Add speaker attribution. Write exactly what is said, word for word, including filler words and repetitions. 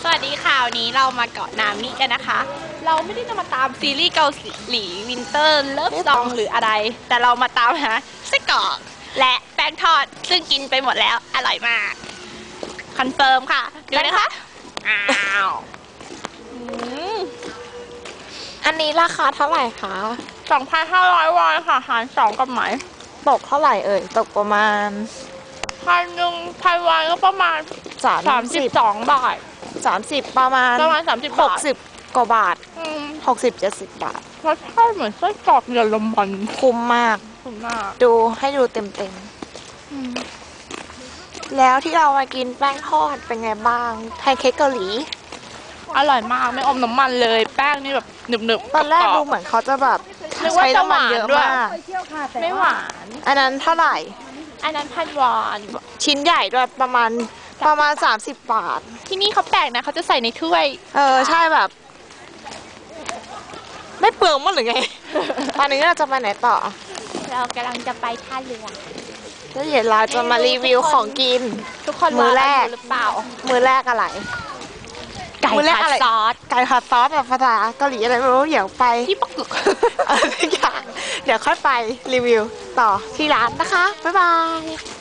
Speaker 1: สวัสดีค่ะวันนี้เรามาเกาะนามิกันนะคะ เราไม่ได้จะมาตามซีรีส์เกาหลีวินเตอร์เลิฟซองหรืออะไร แต่เรามาตามหาไส้กรอกและแป้งทอดซึ่งกินไปหมดแล้วอร่อยมากคอนเฟิร์มค่ะดูนะคะอ้าว
Speaker 2: อันนี้ราคาเท่าไหร่คะ
Speaker 1: สองพันห้าร้อยวอนค่ะหารสองกับไหม
Speaker 2: ตกเท่าไหร่เอ่ยตกประมาณ
Speaker 1: พันหนึ่งพันวอนก็ประมาณ
Speaker 2: สาม
Speaker 1: สามสิบสองบาท
Speaker 2: สามสิบประมาณ
Speaker 1: ประมาณสามสิบ
Speaker 2: หกสิบกว่าบาทหกสิบเจ็ดสิบบาท
Speaker 1: รสชาติเหมือนไส้กรอกเยอรมัน
Speaker 2: คุ้มมาก
Speaker 1: คุ้มมาก
Speaker 2: ดูให้ดูเต็มเต็มแล้วที่เรามากินแป้งทอดเป็นไงบ้างแพนเค้กเกาหลี
Speaker 1: อร่อยมากไม่อมน้ำมันเลยแป้งนี่แบบหนึบหนึบ
Speaker 2: ตอนแรกดูเหมือนเขาจะแบบใช้น้ำมันเยอะมาก
Speaker 1: ไม่หวาน
Speaker 2: อันนั้นเท่าไหร่
Speaker 1: อันนั้นพันวอน
Speaker 2: ชิ้นใหญ่ด้วยประมาณประมาณสามสิบบาท
Speaker 1: ที่นี่เขาแปลกนะเขาจะใส่ในถ้วย
Speaker 2: เออใช่แบบไม่เปลืองมั้งหรือไง ตอนนี้เราจะไปไหนต่อ
Speaker 1: เรากำลังจะไปท่าเรือ
Speaker 2: แล้วเดี๋ยวเราจะมารีวิวของกิน
Speaker 1: ทุกคน
Speaker 2: มือแรก
Speaker 1: หรือเปล่า
Speaker 2: มือแรกอะไร
Speaker 1: ไก่ผัดซอส
Speaker 2: ไก่ผัดซอสแบบภาษาเกาหลีอะไรไม่รู้เดี๋ยวไป
Speaker 1: ที่ปักกึก
Speaker 2: เออทุกอย่างเดี๋ยวค่อยไปรีวิวต่อที่ร้านนะคะบ๊ายบาย